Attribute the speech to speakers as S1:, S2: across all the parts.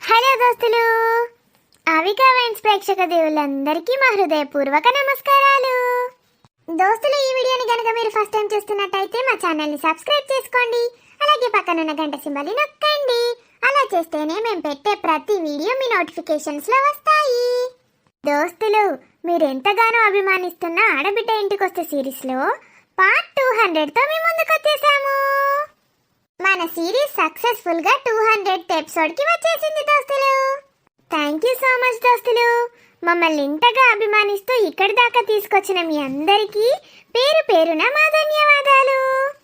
S1: Hello దోస్తులు, Avika wines ప్రేక్షక దేవుళ్ళందరికీ మా హృదయపూర్వక నమస్కారాలు. దోస్తులు, ఈ వీడియోని గనక మీరు ఫస్ట్ టైం చూస్తున్నట్టయితే మా ఛానల్ని సబ్స్క్రైబ్ చేసుకోండి. అలాగే పక్కనున్న గంట సింబల్ని నొక్కండి. అలా చేస్తేనే మేము పెట్టే ప్రతి వీడియో మీ నోటిఫికేషన్స్లో వస్తాయి. దోస్తులు, మీరు ఎంతగానో అభిమానిస్తున్న ఆడబిడ్డ ఇంటికొస్తే సిరీస్లో పార్ట్ 200తో మీ ముందుకు వచ్చేసాము. మన సిరీస్ సక్సెస్ఫుల్ గా 200th ఎపిసోడ్ కి వచ్చేసింది దోస్తులు. థ్యాంక్ యూ సో మచ్ దోస్తులు. మమ్మల్ని ఇంతగా అభిమానిస్తూ ఇక్కడి దాకా తీసుకొచ్చిన మీ అందరికీ పేరు పేరున మా ధన్యవాదాలు.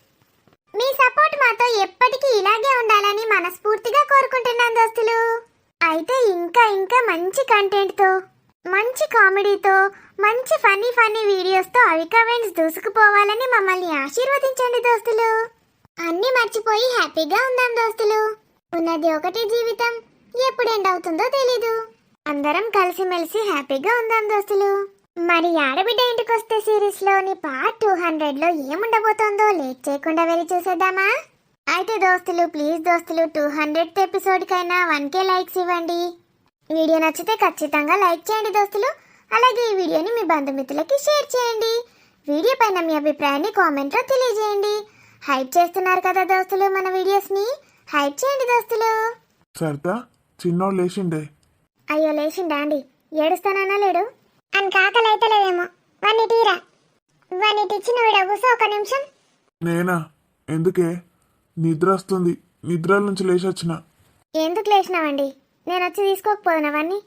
S1: మీ సపోర్ట్ మాతో ఎప్పటికీ ఇలాగే ఉండాలని మనస్ఫూర్తిగా కోరుకుంటున్నాను దోస్తులు. అయితే ఇంకా ఇంకా మంచి కంటెంట్ తో, మంచి కామెడీతో, మంచి ఫన్నీ వీడియోస్తో అవికా వైన్స్ దూసుకుపోవాలని మమ్మల్ని ఆశీర్వదించండి దోస్తులు. అన్నీ మర్చిపోయి హ్యాపీగా ఉందాం దోస్తులు. ఉన్నది ఒకటి జీవితం, ఎప్పుడు ఎండ్ అవుతుందో తెలీదు. అందరం కలిసిమెలిసి హ్యాపీగా ఉందాం దోస్తులు. మరి ఆడబిడ్డ ఇంటికొస్తే సిరీస్ లోని పార్ట్ 200లో ఏముండబోతోందో లేట్ చేయకుండా వెళ్ళి చూసేద్దామా? అయితే దోస్తులు, ప్లీజ్ దోస్తులు, 200th ఎపిసోడ్ కైనా 1K లైక్స్ ఇవ్వండి. వీడియో నచ్చితే ఖచ్చితంగా లైక్ చేయండి దోస్తులు. అలాగే ఈ వీడియోని మీ బంధుమిత్రులకి షేర్ చేయండి. వీడియో పైన మీ అభిప్రాయాన్ని కామెంట్లో తెలియజేయండి. హైప్ చేస్తున్నారు కదా దోస్తులు మన వీడియోస్ ని, హైప్ చేయండి దోస్తులు.
S2: సరదా చిన్నోడు లేచిండే.
S1: అయ్యో లేచిండా అండి? ఏడుస్తానన్నా లేడు అని కాకలు అయితే లేదేమో. వాణ్ణి తీరా, వాణ్ణి తెచ్చిన వీడ కూసో ఒక నిమిషం.
S2: నేనా? ఎందుకే? నిద్ర వస్తుంది, నిద్ర నుంచి లేచొచ్చిన.
S1: ఎందుకు లేచినావండి? నేను వచ్చి తీసుకోకపోదునా వాణ్ణి?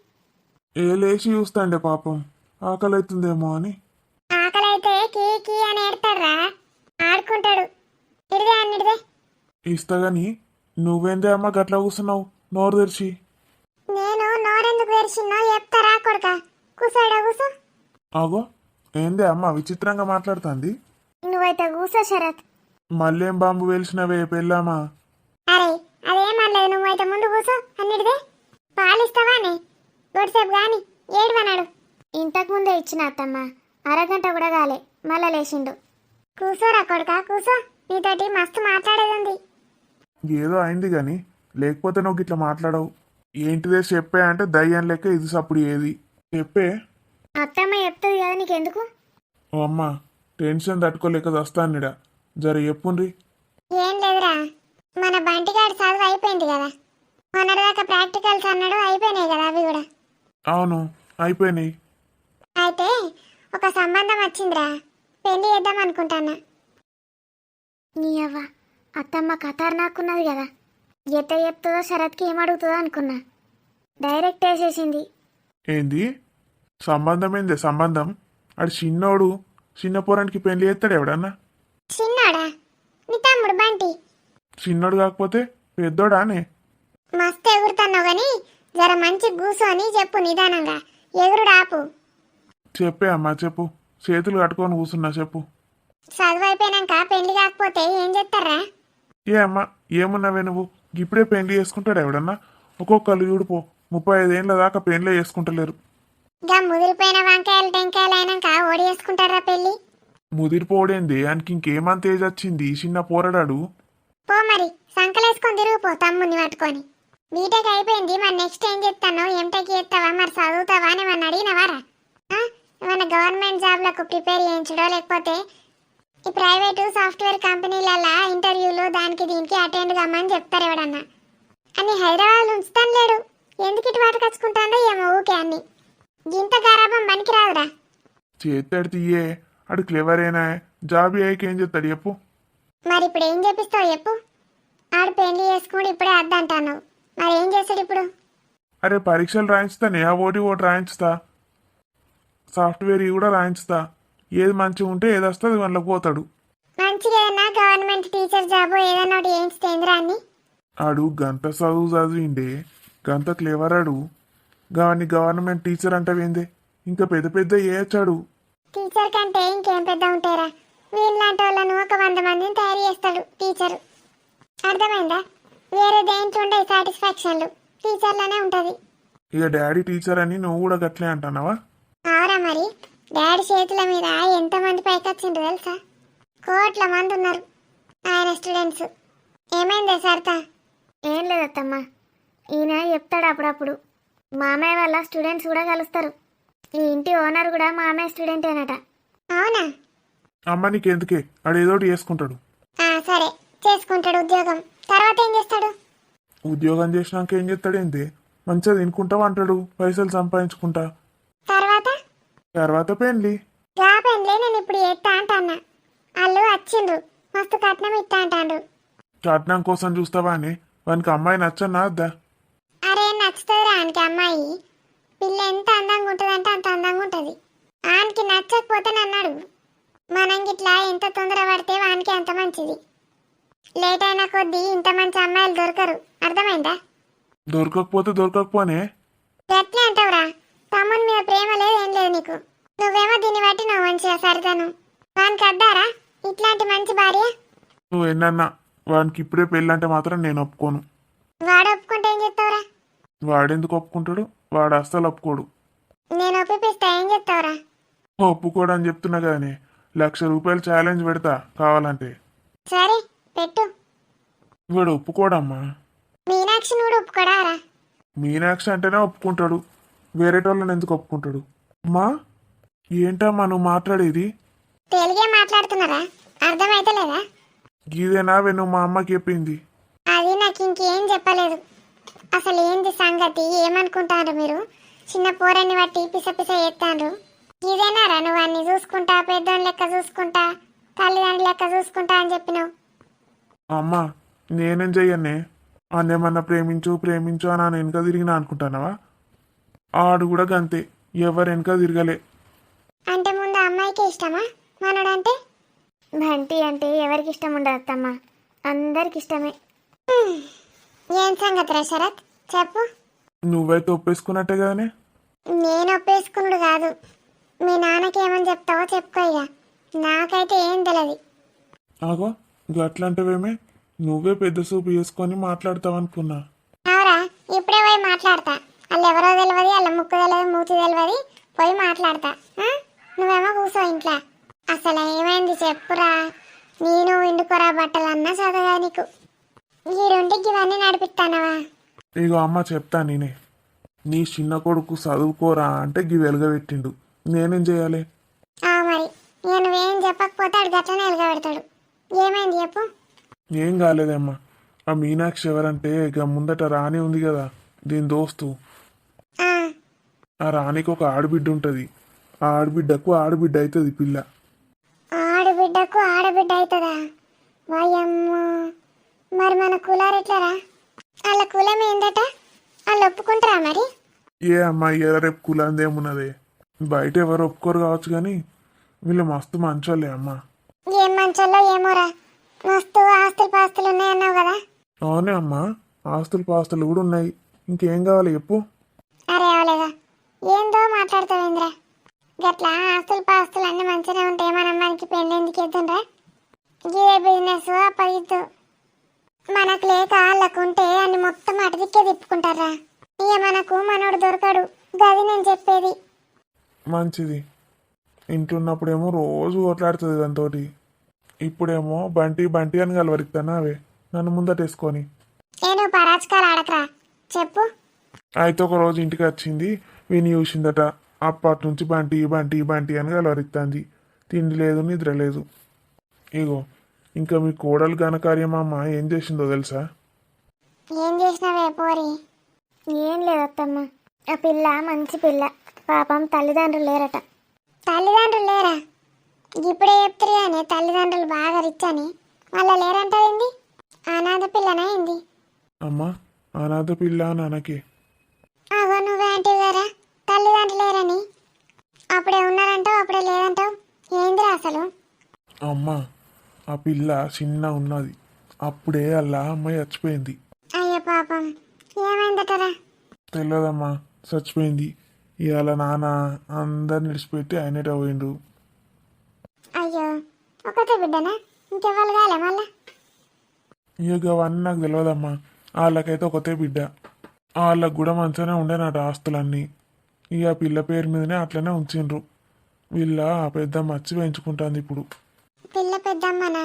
S2: ఏ లేచి చూస్తాండే పాపం, ఆకలి అవుతుందేమో అని.
S1: ఆకలి అయితే కీ కీ అని ఏడతాడ్రా, ఆడుకుంటాడు. ఇడిదే అన్నిడిదే
S2: ఇస్తా గాని నువ్వేందే అమ్మ గట్లా కూస్తున్నావు నోరు తెరిచి?
S1: నేను నోరెందుకు తెరిచిన్నో చెప్తారా కొడుక, కూసాడా కూసో.
S2: ఆగో, ఏందే అమ్మ విచిత్రంగా మాట్లాడుతుంది?
S1: నువ్వైతే కూసో శరత్.
S2: మళ్ళేం బాంబు వేల్చినవే పెళ్ళామా?
S1: అరే అదేమనలేదు, నువ్వైతే ముందు కూసో అన్నిటిదే. పాలిస్తావానే గొడ్సేపు గాని ఏడువనాడు. ఇంతకు ముందే ఇచ్చిన అత్తమ్మ, అరగంట కూడా కాలే మళ్ళా లేచిండు. కూసోరా కొడుక కూసో, నీతోటి మస్తు మాట్లాడేది ఉంది.
S2: ఏదో అయింది గాని లేకపోతే నువ్వు ఇట్లా మాట్లాడవు. ఏంటిదే చెప్పే అంటే దయ్యం లెక్క ఇది సప్పుడు ఏది చెప్పే.
S1: అత్తమ్మ చెప్తుంది కదా నీకెందుకు?
S2: ఓ అమ్మ, టెన్షన్ తట్టుకోలేక వస్తానిడా, జర చెప్పుండ్రి.
S1: ఏం లేదురా, మన బంటిగాడి చదువు అయిపోయింది కదా, మొన్నటిదాకా ప్రాక్టికల్స్ అన్నాడు, అయిపోయినాయి కదా అవి కూడా.
S2: అవును అయిపోయినాయి.
S1: అయితే ఒక సంబంధం వచ్చిందిరా, పెళ్లి చేద్దాం అనుకుంటానా. నీ అవ్వ, అత్తమ్మ ఖతర్నాకున్నది కదా, ఎట్ట చెప్తుందో శరత్కి ఏమడుగుతుందో అనుకున్నా. డైరెక్ట్ వేసేసింది.
S2: ఏంది సంబంధం? ఏంది సంబంధం? అడు చిన్నోడు, చిన్న పోరానికి పెళ్లి చేస్తాడు ఎవడన్నా?
S1: చిన్నాడా? నీ తమ్ముడు బంటి.
S2: చిన్నోడు కాకపోతే పెద్దోడానే?
S1: మస్తు ఎగురుతున్నావు గాని జర మంచి కూసోని చెప్పు నిదానంగా, ఎగురుడు ఆపు.
S2: చెప్పే అమ్మా చెప్పు, చేతులు కట్టుకొని కూర్చున్నా చెప్పు.
S1: చదువు అయిపోయినాక పెళ్లి కాకపోతే ఏం చేస్తారా?
S2: ఏ అమ్మా ఏమున్నావే నువ్వు, ఇప్పుడే పెళ్లి చేసుకుంటాడు ఎవడన్నా? ఒక్కొక్కరు చూడిపో 35 ఏళ్ళ దాకా పెళ్లి చేసుకుంటలేరు.
S1: గా ముదిరిపోయిన వంకాయలు టెంకాయలు అయినాక ఓడి చేసుకుంటారా పెళ్లి?
S2: ముదిరిపోడేంది, ఆయనకి ఇంకేమంత ఏజ్ వచ్చింది, చిన్న పోరడాడు.
S1: పో మరి, సంకలేసుకొని తిరిగిపో తమ్ముని పట్టుకొని. బీటెక్ అయిపోయింది, మరి నెక్స్ట్ ఏం చేస్తాను? ఎంటెక్ చేస్తావా, మరి చదువుతావా అని మన అడిగినవారా? ఏమన్నా గవర్నమెంట్ జాబ్లకు ప్రిపేర్ చేయించడో, లేకపోతే ఈ ప్రైవేటు సాఫ్ట్వేర్ కంపెనీలలో ఇంటర్వ్యూలు దానికి దీనికి అటెండ్ కమ్మని చెప్తారు ఎవడన్నా. అని హైదరాబాద్ ఉంచుతాను లేడు, ఎందుకు ఇటు వాటకచ్చుకుంటాడో ఏమో ఊకే అన్ని. గింత గారాబం పనికి రాదురా.
S2: చేస్తాడు తీయే, అడు క్లెవరేనా, జాబ్ అయ్యాక ఏం చేస్తాడు చెప్పు.
S1: మరి ఇప్పుడు ఏం చేపిస్తావు చెప్పు? ఆడు పెళ్లి చేసుకుని ఇప్పుడే అద్దంటాను, మరి ఏం చేస్తాడు ఇప్పుడు?
S2: అరే పరీక్షలు రాయించుతానే, ఆ ఓటి రాయించుతా, సాఫ్ట్వేర్ కూడా రాయించుతా. ఏది మంచిగా ఉంటే ఏది వస్తుంది వాళ్ళకి పోతాడు.
S1: మంచిగా ఏదన్నా గవర్నమెంట్ టీచర్ జాబ్ ఏదన్నా ఒకటి చేయించుతేంద్రా అని.
S2: ఆడు గంత చదువు చదివిండే, గంత క్లేవర్ ఆడు. గాని గవర్నమెంట్ టీచర్ అంటవేందే, ఇంకా పెద్ద పెద్ద ఏచాడు.
S1: టీచర్ కంటే ఇంకేం పెద్ద ఉంటారా? వీళ్ళంటి వాళ్ళను ఒక 100 మందిని తయారు చేస్తాడు టీచరు. అర్థమైందా? వేరే దేంట్లో ఉండే సాటిస్ఫాక్షన్లు టీచర్లోనే ఉంటుంది.
S2: ఇక డాడీ టీచర్ అని నువ్వు కూడా గట్లే అంటున్నావా?
S1: అవురా మరి, డాడీ చేతుల మీద ఎంతమంది పైకొచ్చిండ్రు తెలుసా? కోట్ల మంది ఉన్నారు ఆయన స్టూడెంట్స్. ఏమైందే సరతా? ఏం లేదత్తమ్మా, ఈయన చెప్తాడు అప్పుడప్పుడు. మామయ్య వాళ్ళ స్టూడెంట్స్ కూడా కలుస్తారు. ఈ ఇంటి ఓనర్ కూడా మామయ్య స్టూడెంటేనట. అవునా?
S2: అమ్మ నీకెందుకే, ఆడేదోటి చేసుకుంటాడు.
S1: సరే, చేసుకుంటాడు ఉద్యోగం. తర్వాత ఏం చేస్తాడు?
S2: ఉద్యోగం చేసినాక ఏం చేస్తాడేంది? మంచిగా తినుకుంటా అంటాడు, పైసలు సంపాదించుకుంటా.
S1: తర్వాత
S2: తర్వాత పెళ్ళి.
S1: గా పెళ్ళి నేను ఇప్పుడు ఎత్తా అంటన్నా. వాళ్ళు వచ్చిండ్రు, మస్తు కట్నం ఇస్తా అంటాండ్రు.
S2: కట్నం కోసం చూస్తావా అని వానికి అమ్మాయి నచ్చన్నా వద్దా?
S1: అరే నచ్చుతుంది రానికి అమ్మాయి. పిల్ల ఎంత అందంగా ఉంటుందంటే అంత అందంగా ఉంటుంది. ఆనికి నచ్చకపోతే నన్ను అడుగు. మనం గిట్లా ఎంత తొందర పడితే వానికి అంత మంచిది. లేట్ అయిన కొద్దీ ఇంత మంచి అమ్మాయిలు దొరకరు, అర్థమైందా?
S2: దొరకకపోతే దొరకకపోనే.
S1: గట్లే అంటావురా. తమ్ముని మీద ప్రేమ లేదు, ఏం లేదు నీకు. నువ్వేమో దీన్ని బట్టి నువ్వు మంచిగా సరితను. వానికి అద్దారా ఇట్లాంటి మంచి భార్య?
S2: నువ్వు ఎన్నన్నా వానికి ఇప్పుడే పెళ్ళంటే మాత్రం నేను ఒప్పుకోను.
S1: వాడు ఒప్పుకుంటే ఏం చెప్తావురా?
S2: వాడెందుకు ఒప్పుకుంటాడు? వాడు అస్సలు ఒప్పుకోడు.
S1: నేను ఒప్పిస్తా, ఏం చెప్తావురా?
S2: ఒప్పుకోడు అని చెప్తున్నా కదనే. ₹1,00,000 ఛాలెంజ్ పెడతా కావాలంటే.
S1: సరే పెట్టు.
S2: వాడు ఒప్పుకోడమ్మా.
S1: మీనాక్షి కూడా ఒప్పుకోడారా?
S2: మీనాక్షి అంటేనే ఒప్పుకుంటాడు, వేరేటోళ్ళని ఎందుకు ఒప్పుకుంటాడు? అమ్మా ఏంటమ్మా నువ్వు మాట్లాడేది?
S1: తెలుగే మాట్లాడుతున్నారా? అర్థమైతే లేదా?
S2: గీదేనా నువ్వు మా అమ్మకి చెప్పింది?
S1: అది నాకు ఇంకేం చెప్పలేదు. అసలు ఏంది సంగతి? ఏమనుకుంటారు మీరు? చిన్న పోరని బట్టి పిస పిస ఎత్తాండ్రు. ఇదేనారా నువ్వు అన్ని చూసుకుంటా, పెద్దోని లెక్క చూసుకుంటా, తల్లిదండ్రుల లెక్క చూసుకుంటా అని చెప్పినావు?
S2: అమ్మా నేనేం చెయ్యనే. అన్నేమన్నా ప్రేమించు ప్రేమించు అని ఆయన వెనక తిరిగినా అనుకుంటానవా? ఆడు కూడా గంతే, ఎవరు వెనక తిరగలే.
S1: అంటే ముందు అమ్మాయికి ఇష్టమా మనడంటే? బంటి అంటే ఎవరికి ఇష్టం ఉండదు అత్తమ్మ, అందరికి ఇష్టమే. ఏం సంగతి రా శరత్, చెప్పు.
S2: నువ్వైతే ఒప్పేసుకున్నట్టే కదనే.
S1: నేను ఒప్పేసుకున్నాడు కాదు, మీ నాన్నకి ఏమని చెప్తావో చెప్పుకో. ఇక నాకైతే ఏం తెలియదు.
S2: ఆగో గట్లంటవేమే, నువ్వే పెద్ద సూపు చేసుకొని మాట్లాడతావనుకున్నా.
S1: అవురా, ఇప్పుడే పోయి మాట్లాడతా. వాళ్ళు ఎవరో తెలియదు, వాళ్ళ ముక్కు తెలియదు, మూతి తెలియదు, పోయి మాట్లాడతా. నువ్వేమో కూర్చో ఇంట్లో. అసలు ఏమైంది చెప్పురా? నేను ఇండుకోరా బట్టలన్నా చదవగా నీకు. ఈ రెండింటికి ఇవన్నీ నడిపిస్తానవా?
S2: ఇగో అమ్మ చెప్తా నేనే. నీ చిన్న కొడుకు చదువుకోరా అంటే గి వెలుగబెట్టిండు, నేనేం చేయాలి?
S1: మరి ఇక నువ్వేం చెప్పకపోతే అడు గట్లనే వెలుగబెడతాడు. ఏమైంది చెప్పు.
S2: ఏం కాలేదమ్మా. ఆ మీనాక్షి ఎవరంటే ఇక ముందట రాణి ఉంది కదా, దీని దోస్తు. ఆ రాణికి ఒక ఆడబిడ్డ ఉంటుంది. ఆ ఆడబిడ్డకు ఆడబిడ్డ అవుతుంది పిల్ల.
S1: ఆడబిడ్డకు ఆడబిడ్డ అవుతుందా? వాయమ్మ, మరి మన కులారు ఎట్లరా? వాళ్ళ కులం ఏందట? వాళ్ళు ఒప్పుకుంటారా మరి?
S2: ఏ అమ్మాయి రేపు కులందేమున్నదే, బయట ఎవరు ఒప్పుకోరు కావచ్చు కానీ వీళ్ళు మస్తు మంచోళ్ళే అమ్మా.
S1: ఏం మంచోళ్ళో ఏమోరా, మస్తు ఆస్తులు పాస్తులు ఉన్నాయన్నావు కదా?
S2: అవునే అమ్మా, ఆస్తులు పాస్తులు కూడా ఉన్నాయి. ఇంకేం కావాలి చెప్పు.
S1: అరే అవలేదా, ఏందో మాట్లాడతావేంద్రా? గట్లా ఆస్తులు పాస్తులు అన్ని మంచిగా ఉంటాయి. మన అమ్మాయికి పెళ్ళి ఎందుకు ఎద్దుండ్రా? ఇదే బిజినెస్ అప్పగిద్దు. మనకు లేక వాళ్ళకుంటే అన్ని మొత్తం అటుదిక్కే తిప్పుకుంటారా? ఇక మనకు మనోడు దొరకడు, గది నేను చెప్పేది.
S2: మంచిది. ఇంట్లున్నప్పుడేమో రోజు ఓట్లాడుతుంది దాంతోటి, ఇప్పుడేమో బంటి బంటి అని కలవరిస్తానా అవే నన్ను ముందటేసుకొని.
S1: నేను పరాచకాలు ఆడకరా, చెప్పు.
S2: అయితే ఒక రోజు ఇంటికి వచ్చింది, విని చూసిందట. అప్పటి నుంచి బంటి బంటి బంటి అని కలవరిస్తుంది. తిండి లేదు నిద్ర లేదు. ఇగో ఇంకా మీ కోడలు ఘనకార్యమమ్మ ఏం చేసిందో తెలుసా?
S1: ఏం చేసినావే పోరి? ఏం లేదు అత్తమ్మ, ఆ పిల్ల మంచి పిల్ల. పాపం తల్లిదండ్రులు లేరట. తల్లిదండ్రులు లేరా? ఇప్పుడే చెప్తారు కానీ తల్లిదండ్రులు బాగా రిచ్ అని. వాళ్ళ లేరంటారేంది? అనాథ పిల్లనా ఏంది?
S2: అమ్మా అనాథ పిల్ల నాన్నకి.
S1: అగో నువ్వే అంటే కదా తల్లిదండ్రులు లేరని. అప్పుడే ఉన్నారంటావు, అప్పుడే లేదంటావు. ఏందిరా అసలు?
S2: అమ్మా ఆ పిల్ల చిన్న ఉన్నది, అప్పుడే అలా అమ్మాయి చచ్చిపోయింది.
S1: అయ్యో పాపం, ఏమైందటరా?
S2: తెలియదమ్మా, చచ్చిపోయింది. ఇవాళ నాన్న అందరిని విడిచిపెట్టి ఆయనట పోయిండు.
S1: అయ్యో, ఒకతే బిడ్డనా? ఇంకెవ్వరు కాలే మళ్ళా?
S2: ఇక అవన్నీ నాకు తెలియదమ్మా. వాళ్ళకైతే ఒకతే బిడ్డ. వాళ్ళకు కూడా మంచిగానే ఉండేనట ఆస్తులన్నీ. ఇక పిల్ల పేరు మీదనే అట్లనే ఉంచిండ్రు. వీళ్ళ పెద్ద మచ్చి పెంచుకుంటుంది ఇప్పుడు.
S1: పిల్ల పెద్దమ్మనా?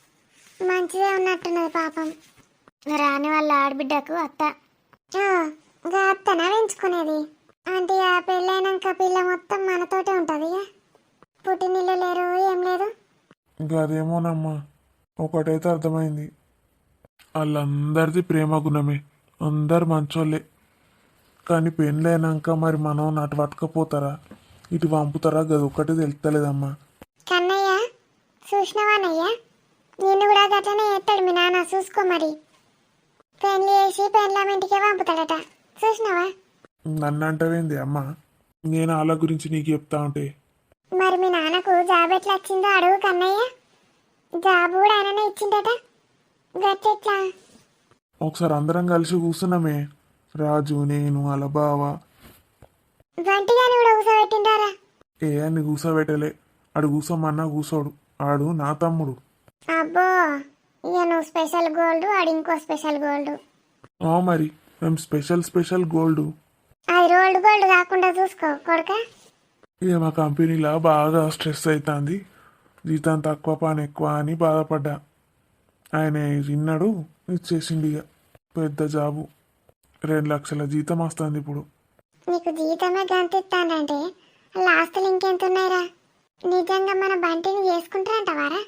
S1: మంచిదే ఉన్నట్టున్నది పాపం. రాని వాళ్ళ ఆడబిడ్డకు అత్త. ఇంకా అత్తనా పెంచుకునేది అంటే ఆ పెళ్ళైనాక పిల్ల మొత్తం మనతోటే ఉంటుంది ఇక పుట్టినిల్లు లేరు ఏం లేదు.
S2: గదేమోనమ్మా, ఒకటైతే అర్థమైంది, వాళ్ళందరిది ప్రేమ గుణమే, అందరు మంచోళ్ళే. కానీ పెళ్ళైనాక మరి మనం అటు పట్టుకపోతారా ఇటు పంపుతారా గది ఒక్కటి తెలుస్తలేదమ్మా.
S1: కన్నయ్య చూసినవానయ్య నిన్ను కూడా గట్లనే ఎత్తాడు మీ నాన్న, చూసుకో మరి. పెళ్లి చేసి పెళ్ళాం ఇంటికే పంపుతాడట, చూసినావా?
S2: నన్ను అంటవేంది అమ్మా, నేను వాళ్ళ గురించి నీకు చెప్తా ఉంటే.
S1: మరి మీ నాన్నకు జాబ్ ఎట్లా వచ్చిందో అడుగు కన్నయ్య. జాబ్ కూడా ఆయననే ఇచ్చిందట, గట్టెట్లా?
S2: ఒకసారి అందరం కలిసి కూర్చున్నామే, రాజు నేను అలా బావ.
S1: వంటిగాని కూడా కూసబెట్టిండారా?
S2: ఏ అని కూర్చోబెట్టలే, ఆడు కూర్చోమన్నా కూర్చోడు, ఆడు నా తమ్ముడు.
S1: అబ్బో, ఇక నువ్వు స్పెషల్ గోల్డ్, ఆడు ఇంకో స్పెషల్ గోల్డ్.
S2: మరి మేము స్పెషల్ గోల్డ్.
S1: అది రోల్డ్ గోల్డ్ కాకుండా చూసుకో కొడుక.
S2: ఇక మా కంపెనీలో బాగా స్ట్రెస్ అవుతుంది, జీతం తక్కువ పని ఎక్కువ అని బాధపడ్డా. ఆయన విన్నాడు, ఇచ్చేసిండు. ఇక పెద్ద జాబు, 2 లక్షల జీతం వస్తుంది ఇప్పుడు.
S1: నీకు జీతమే గంతిస్తానంటే వాళ్ళ ఆస్తులు ఇంకెంత ఉన్నాయిరా? నిజంగా మన బంటిని చేసుకుంటారంటవారా?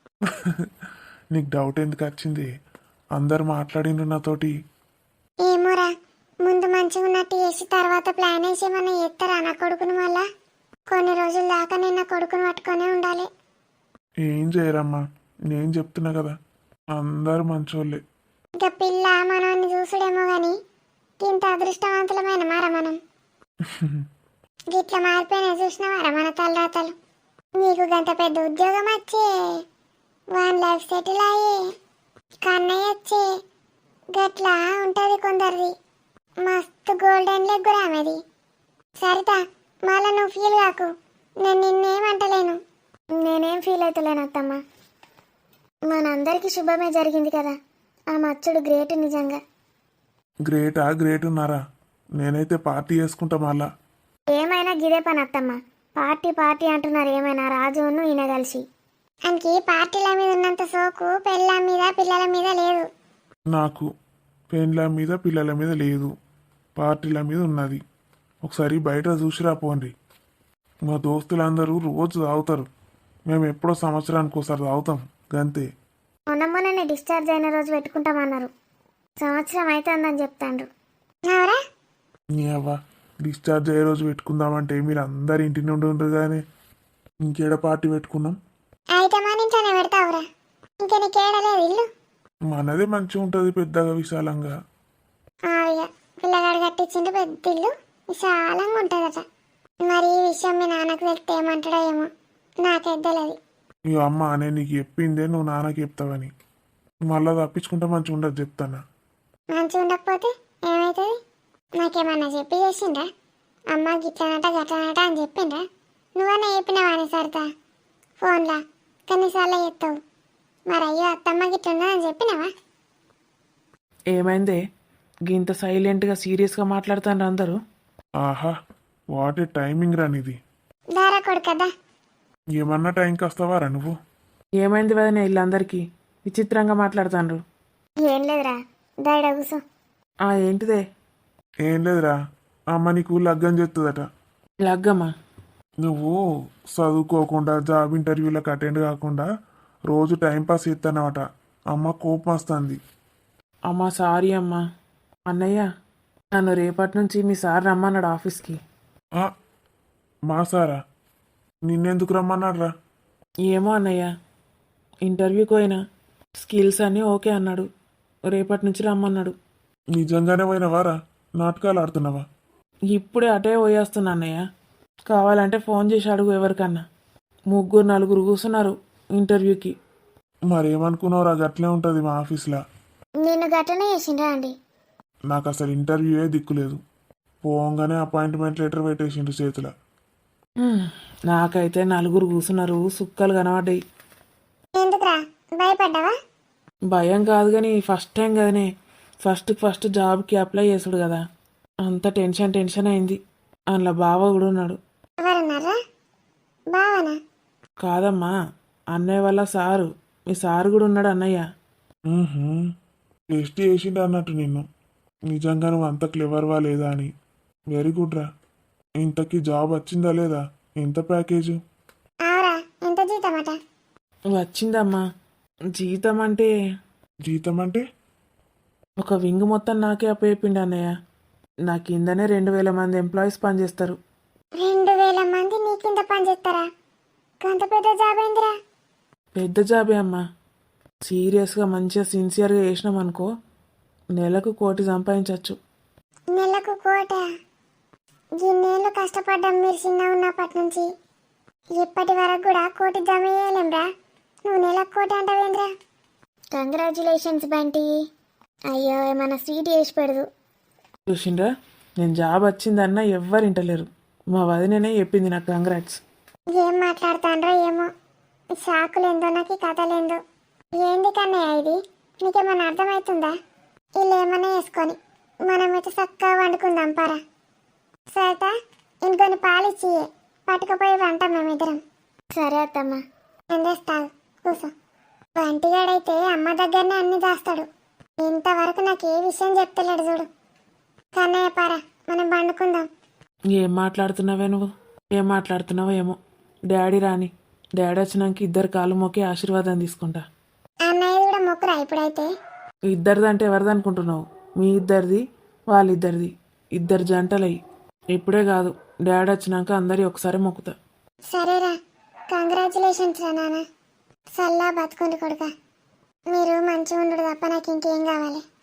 S2: నీకు డౌట్ ఎందుకు వచ్చింది? అందరు మాట్లాడిండ్రు నాతోటి.
S1: ఏమోరా, ముందు మంచిగా ఉన్నట్టు చేసి తర్వాత ప్లాన్ వేసి ఏమన్నా చేస్తారా నా కొడుకుని? మళ్ళా కొన్ని రోజుల దాకా నేను నా కొడుకుని పట్టుకొనే ఉండాలి.
S2: ఏం చేయరమ్మా, నేను చెప్తున్నా కదా, అందరు మంచోళ్ళే.
S1: ఇక పిల్ల మనల్ని చూసుడేమో గాని ఇంత అదృష్టవంతులమైన మారా మనం. గిట్ల మారిపోయినా చూసినవారా మన తలరాతలు? నీకు గంత పెద్ద ఉద్యోగం వచ్చే, 1 లైఫ్ సెటిల్ అయ్యే, కన్నయ్య వచ్చే, గట్లా ఉంటుంది కొందరిది. మస్తు గోల్డెన్ లెగ్ రామది. సరితా, మళ్ళా నువ్వు ఫీల్ కాకు, నేను నిన్నేమంటలేను. నేనేం ఫీల్ అవుతలేను అత్తమ్మ, మనందరికీ శుభమే జరిగింది కదా. ఆ మచ్చుడు గ్రేట్ నిజంగా.
S2: గ్రేట్ ఉన్నారా? నేనైతే పార్టీ చేసుకుంటా మళ్ళా.
S1: ఏమైనా గిదే పని అత్తమ్మ, పార్టీ అంటున్నారు. ఏమైనా రాజును ఈయన కలిసి ఆయనకి పార్టీల మీద ఉన్నంత సోకు పెళ్ళ మీద పిల్లల మీద లేదు.
S2: నాకు పెండ్ల మీద పిల్లల మీద లేదు, పార్టీల మీద ఉన్నది. ఒకసారి బయట చూసిరా పోండి. మా దోస్తులందరూ రోజు తాగుతారు, మేము ఎప్పుడో సంవత్సరానికి ఒకసారి తాగుతాం గంతే.
S1: మొన్ననే డిశ్చార్జ్ అయిన రోజు పెట్టుకుంటామన్నారు, సంవత్సరం అవుతుందని చెప్తాండ్రు. అవురా?
S2: నీ అవ్వ, డిశ్చార్జ్ అయ్యే రోజు పెట్టుకుందామంటే మీరు అందరు ఇంటి నుండి ఉండరు కానీ ఇంకేడ పార్టీ పెట్టుకున్నాం.
S1: అయితే మన ఇంట్లోనే పెడతావురా, ఇంకా నీకేడలేదు ఇల్లు.
S2: మనదే మంచిగా ఉంటుంది, పెద్దగా విశాలంగా.
S1: ఇక పిల్లగాడు కట్టించిండు పెద్ద ఇల్లు, విశాలంగా ఉంటుందట. మరి ఈ విషయం మీ నాన్నకు తెలిస్తే ఏమంటాడో ఏమో, నాకైతే తెలియదు.
S2: ఈ అమ్మ నేను నీకు చెప్పిందే నువ్వు నాన్నకి చెప్తావని, మళ్ళా తప్పించుకుంటే మంచిగా ఉండదు చెప్తానా.
S1: మంచిగా ఉండకపోతే ఏమవుతుంది? నాకేమన్నా చెప్పి చేసిండ్రా? అమ్మ గిట్లనట గట్లనట అని చెప్పిండ్రా? నువ్వన్నా చెప్పినావా సరితా ఫోన్లా? కనీసార్లు చెప్తావు. మరి అయ్యో అత్తమ్మ గిట్లున్నదని చెప్పినావా?
S3: ఏమైందే గింత సైలెంట్గా సీరియస్గా మాట్లాడుతాను అందరూ?
S2: ఆహా, వాట్ ఏ టైమింగ్ రానిది.
S1: దారా కొడుకదా,
S2: ఏమన్నా టైంకి వస్తావారా నువ్వు?
S3: ఏమైంది వదిన వీళ్ళందరికీ విచిత్రంగా మాట్లాడుతాండ్రు?
S1: ఏం లేదురా, దాయిడ కూసో.
S3: ఏంటిదే?
S2: ఏం లేదురా, అమ్మ నీకు లగ్గం చేస్తుందట.
S3: లగ్గమ్మా?
S2: నువ్వు చదువుకోకుండా జాబ్ ఇంటర్వ్యూలకు అటెండ్ కాకుండా రోజు టైంపాస్ చేస్తానమాట, అమ్మ కోపం వస్తుంది.
S3: అమ్మా సారీ అమ్మా. అన్నయ్య నన్ను రేపటి నుంచి మీ సార్ రమ్మన్నాడు ఆఫీస్కి.
S2: ఆ, మా సారా? నిన్నెందుకు రమ్మన్నాడు రా?
S3: ఏమో అన్నయ్య, ఇంటర్వ్యూకి పోయినా స్కిల్స్ అన్నీ ఓకే అన్నాడు, రేపటి నుంచి రమ్మన్నాడు.
S2: నిజంగానే పోయినవారా? నాటకాలు ఆడుతున్నావా?
S3: ఇప్పుడే అటే పోయేస్తున్నా అన్నయ్య, కావాలంటే ఫోన్ చేసి అడుగు ఎవరికన్నా. 3-4 కూర్చున్నారు ఇంటర్వ్యూకి.
S2: మరేమనుకున్నావురా, గట్లే ఉంటుంది మా ఆఫీస్లో.
S1: నిన్ను గట్టనే చేసిండ్రా అండి?
S2: నాకు అసలు ఇంటర్వ్యూయే దిక్కులేదు, పోగానే అపాయింట్మెంట్ లెటర్ పెట్టేసిండు చేతిలో.
S3: నాకైతే 4 కూర్చున్నారు, సుక్కలు కనబడ్డాయి.
S1: ఎందుకురా భయపడ్డావా?
S3: భయం కాదు కానీ ఫస్ట్ టైం కదనే, ఫస్ట్ జాబ్కి అప్లై చేసుడు కదా, అంత టెన్షన్ అయింది. అందులో బావ కూడా ఉన్నాడు.
S1: ఎవరున్నారా? బావనా?
S3: కాదమ్మా, అన్నయ్య వల్ల సారు, మీ సారు కూడా ఉన్నాడు అన్నయ్య.
S2: టెస్ట్ చేసిండు అన్నట్టు నిన్ను. నిజంగా నువ్వు అంత క్లెవర్వా లేదా అని. వెరీ గుడ్ రా. ఇంతకీ జాబ్ వచ్చిందా లేదా? ఎంత ప్యాకేజు?
S1: ఆవురా, ఎంత జీతమట?
S3: వచ్చిందమ్మా. జీతం అంటే
S2: జీతం అంటే?
S3: ఒక వింగ్ మొత్తం నాకే అప్పచెప్పిండు అన్నయ్య. నా కిందనే 2,000 మంది ఎంప్లాయీస్ పనిచేస్తారు.
S1: 2,000 మంది నీ కింద పనిచేస్తారా? గంత పెద్ద జాబ్ ఏందిరా?
S3: పెద్ద జాబే అమ్మా. సీరియస్గా మంచిగా సిన్సియర్గా చేసినాం అనుకో నెలకు 1,00,00,000 సంపాదించవచ్చు.
S1: నెలకు 1,00,00,000? ఇన్నేళ్ళు కష్టపడ్డాం మీరు చిన్న ఉన్నప్పటి నుంచి. ఇప్పటి వరకు కూడా 1,00,00,000 జమ చేయలేంరా. నువ్వు నెలకు 1,00,00,000 అంటావేంద్రా? కంగ్రాచులేషన్స్ బంటి. అయ్యో, ఏమన్నా స్వీట్ చేసి పెడదు.
S3: చూసిండ్రా, నేను జాబ్ వచ్చిందన్నా ఎవ్వరు ఇంటలేరు. మా వదిననే చెప్పింది నాకు కంగ్రాట్స్.
S1: ఏం మాట్లాడుతాండ్రో ఏమో, షాకులేందో నాకు ఈ కథలేందో. ఏంది కన్నయ్య ఇది? నీకేమన్నా అర్థమవుతుందా? వీళ్ళు ఏమన్నా వేసుకొని మనమైతే చక్కగా వండుకుందాం పారా. సరేట, ఇంకొన్ని పాలిచ్చి పట్టుకుపోయి వంటాం మేమిద్దరం. సరే అత్తమ్మ. ఏం చేస్తావు? కూసో. వంటిగాడైతే అమ్మ దగ్గరనే అన్ని దాస్తాడు. ఇంతవరకు నాకు ఏ విషయం చెప్తలేడు చూడు. కన్నయ్య పారా, మనం వండుకుందాం.
S3: ఏం మాట్లాడుతున్నావే నువ్వు? ఏం మాట్లాడుతున్నావో ఏమో. డాడీ రాని. డాడీ వచ్చినాక ఇద్దరు కాలు మొక్కి ఆశీర్వాదం తీసుకుంటా.
S1: అన్నయ్య కూడా మొక్కురా ఇప్పుడైతే.
S3: ఇద్దరిది అంటే ఎవరిది అనుకుంటున్నావు? మీ ఇద్దరిది, వాళ్ళిద్దరిది. ఇద్దరు జంటలయ్యి. ఇప్పుడే కాదు, డాడీ వచ్చినాక అందరి ఒకసారి మొక్కుతా.
S1: సరేరా, కంగ్రాచులేషన్స్ రా నాన్న. సల్లా బతుకుండి కొడుక. మీరు మంచిగా ఉండు తప్ప నాకు ఇంకేం కావాలి.